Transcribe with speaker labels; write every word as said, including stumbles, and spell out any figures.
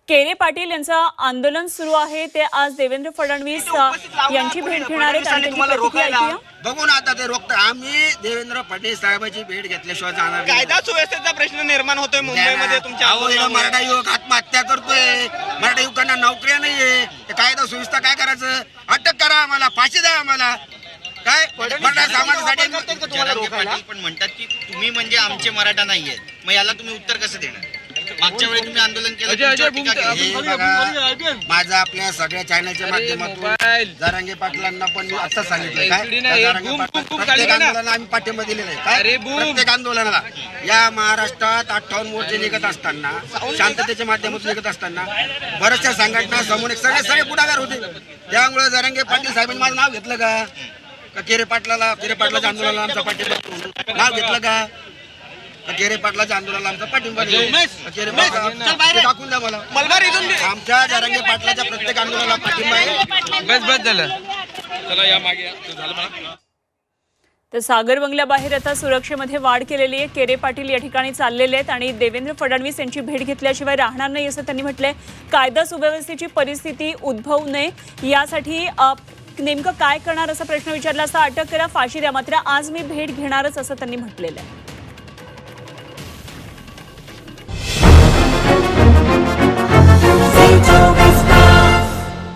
Speaker 1: केरे पाटील यांचं आंदोलन सुरू आहे ते आज देवेंद्र फडणवीस यांची भेट घेणार आहेत आणि त्यांची प्रतिक्रिया ऐकूया.
Speaker 2: बघून आता ते रोखत आम्ही देवेंद्र फडणवीस साहेबांची भेट घेतल्याशिवाय जाणार नाही.
Speaker 3: कायदा सुव्यवस्थेचा प्रश्न निर्माण होतोय मुंबईमध्ये तुमच्या
Speaker 2: आंदोलनामुळे. मराठा युवक आत्महत्या करतोय, मराठा युवकांना नोकऱ्या नाहीये. कायदा सुव्यवस्था काय करायचं? अटक करा आम्हाला, फाशी द्या आम्हाला. काय मराठा समाजासाठी
Speaker 4: पण म्हणतात की तुम्ही म्हणजे आमचे मराठा नाहीये, मग याला तुम्ही उत्तर कसं देणार? मागच्या वेळी तुम्ही आंदोलन केलं,
Speaker 2: माझं आपल्या सगळ्या चॅनलच्या माध्यमातून जरांगे पाटलांना पण मी आता सांगितलं काय प्रत्येक आंदोलनाला आम्ही पाठिंबा दिलेला आहे. काय प्रत्येक आंदोलनाला या महाराष्ट्रात अठ्ठावन्न मोर्चे निघत असताना, शांततेच्या माध्यमातून निघत असताना बऱ्याचशा संघटना समोर सगळे सगळे पुढाकार होते. त्यामुळे जरांगे पाटील साहेबांनी माझं नाव घेतलं का? केरे पाटलाला केरे पाटलाच्या आंदोलनाला आमचा पाठिंबा नाव घेतलं का? केरे पाटलाच्या आंदोलनाला आमचा पाठिंबा टाकून द्या मला. आमच्या जरांगे पाटलाच्या प्रत्येक आंदोलनाला पाठिंबा आहे.
Speaker 5: बस बस झालं.
Speaker 3: चला या मागे झालं मला.
Speaker 1: तर सागर बंगल्याबाहेर आता सुरक्षेमध्ये वाढ केलेली आहे. केरे पाटील या ठिकाणी चाललेले आहेत आणि देवेंद्र फडणवीस यांची भेट घेतल्याशिवाय राहणार नाही असं त्यांनी म्हटलंय. कायदा सुव्यवस्थेची परिस्थिती उद्भवू नये यासाठी नेमकं काय करणार असा प्रश्न विचारला असता अटक करा, फाशी द्या, मात्र आज मी भेट घेणारच असं त्यांनी म्हटलेलं आहे.